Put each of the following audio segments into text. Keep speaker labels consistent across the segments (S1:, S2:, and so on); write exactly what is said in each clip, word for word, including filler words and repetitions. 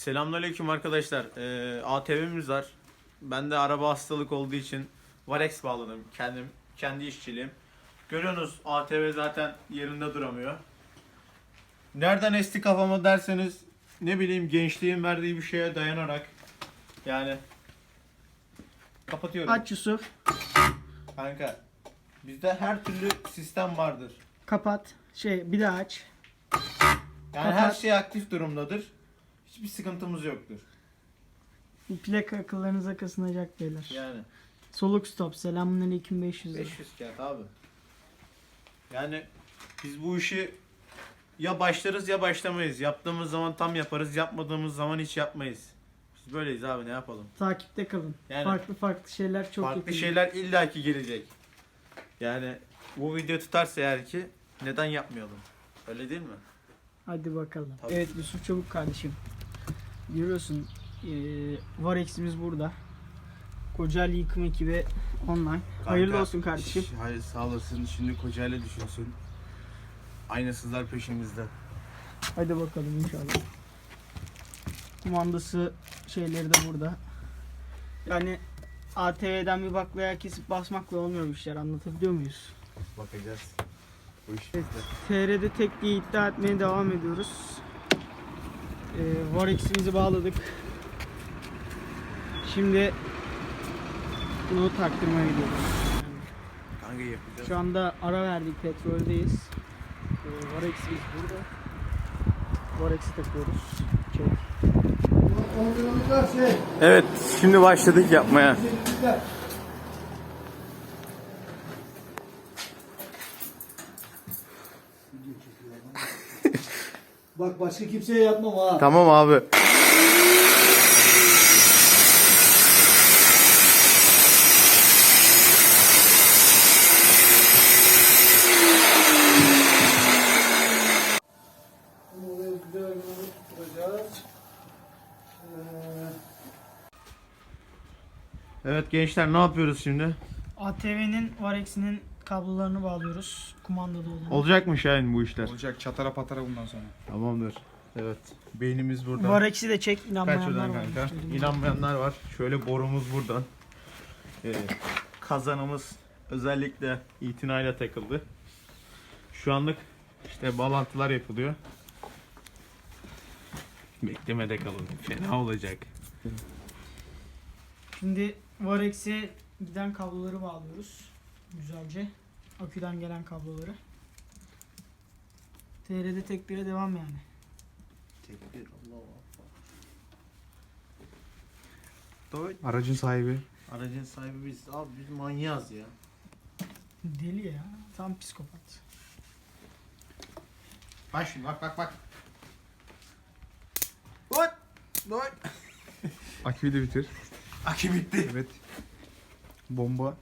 S1: Selamünaleyküm arkadaşlar. Ee, A T V'miz var. Ben de araba hastalık olduğu için Varex bağladım. Kendim, kendi işçiliğim. Görüyorsunuz A T V zaten yerinde duramıyor. Nereden esti kafama derseniz ne bileyim gençliğin verdiği bir şeye dayanarak yani kapatıyorum.
S2: Aç Yusuf.
S1: Kanka bizde her türlü sistem vardır.
S2: Kapat. Şey bir daha aç.
S1: Yani
S2: Kapat.
S1: her şey aktif durumdadır. Hiçbir sıkıntımız yoktur.
S2: Bu plaka akıllarınıza kazınacak beyler.
S1: Yani
S2: Soluk stop. Selamünaleyküm beş yüz lira.
S1: beş yüz kağıt abi. Yani biz bu işi ya başlarız ya başlamayız. Yaptığımız zaman tam yaparız, yapmadığımız zaman hiç yapmayız. Biz böyleyiz abi, ne yapalım?
S2: Takipte kalın.
S1: Yani
S2: farklı farklı şeyler çok
S1: farklı
S2: yakın.
S1: şeyler illaki gelecek. Yani bu video tutarsa eğer ki neden yapmayalım? Öyle değil mi?
S2: Hadi bakalım.
S1: Tabii.
S2: Evet Yusuf Çabuk kardeşim. Görüyorsun ee, Varex'imiz burada. Kocaeli yıkım ekibi online. Hayırlı
S3: Kanka,
S2: olsun kardeşim.
S3: ş- Hayır sağ olasın. Şimdi Kocaeli düşünsün. Aynasızlar peşimizde.
S2: Hadi bakalım inşallah. Kumandası şeyleri de burada. Yani A T V'den bir baklaya kesip basmakla olmuyor bu işler, anlatabiliyor muyuz?
S3: Bakacağız. Bu iş
S2: Evet.
S3: bizde.
S2: T R'de tek diye iddia etmeye devam ediyoruz. Ee, Varex'imizi bağladık. Şimdi bunu taktırmaya gidiyoruz.
S3: Kanka yapacağız.
S2: Şu anda ara verdik, petroldeyiz. Ee, Varex'imiz burada. Varex'i takıyoruz. Çek.
S1: Evet, şimdi başladık yapmaya.
S4: Bak başka kimseye yapmam ha.
S1: Tamam abi.
S4: Bunu oraya güzel bir tutturacağız. Ee,
S1: Evet gençler, ne yapıyoruz şimdi?
S2: A T V'nin Varex'inin kablolarını bağlıyoruz. Kumandalı olan.
S1: Olacak mı Şahin bu işler?
S3: Olacak çatara patara bundan sonra.
S1: Tamamdır. Evet. Beynimiz burada.
S2: Varex'i de çek,
S1: Kaç
S2: inanmayanlar
S1: oradan
S2: var.
S1: kanka? İnanmayanlar var. Şöyle borumuz buradan. Ee, kazanımız özellikle itinayla takıldı. Şu anlık işte bağlantılar yapılıyor. Beklemede kalın. Fena olacak.
S2: Şimdi Varex'e giden kabloları bağlıyoruz. Güzelce. Aküden gelen kabloları. T R'de tek bire devam yani.
S1: Tekbir, Allah
S3: Aracın sahibi.
S1: Aracın sahibi biz. Abi biz manyağız ya.
S2: Deli ya. Tam psikopat.
S1: Bak şimdi, bak bak bak. What? What?
S3: Aküyü de bitir.
S1: Akü bitti.
S3: Evet. Bomba.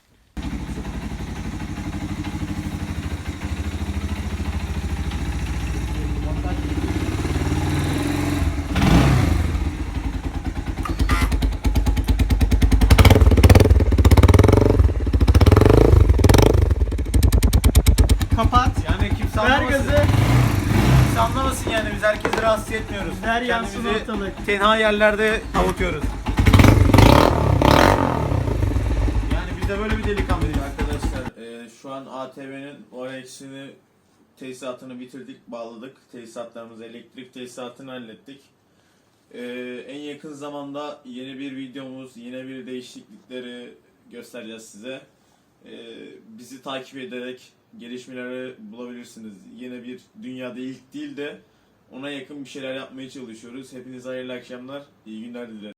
S2: Kapat.
S1: Yani kimse
S2: Ver
S1: anlamasın.
S2: gazı.
S1: Kimse anlamasın yani, biz herkesi rahatsız etmiyoruz.
S2: Ver yansın
S1: Kendimizi
S2: ortalık.
S1: tenha yerlerde avutuyoruz. Yani biz de böyle bir delikanlıyız arkadaşlar. Ee, şu an A T V'nin Varex'ini tesisatını bitirdik, bağladık. Tesisatlarımızı, elektrik tesisatını hallettik. Ee, en yakın zamanda yeni bir videomuz, yine bir değişiklikleri göstereceğiz size. Ee, bizi takip ederek gelişmeleri bulabilirsiniz. Yine bir dünyada ilk değil de ona yakın bir şeyler yapmaya çalışıyoruz. Hepinize hayırlı akşamlar, iyi günler dilerim.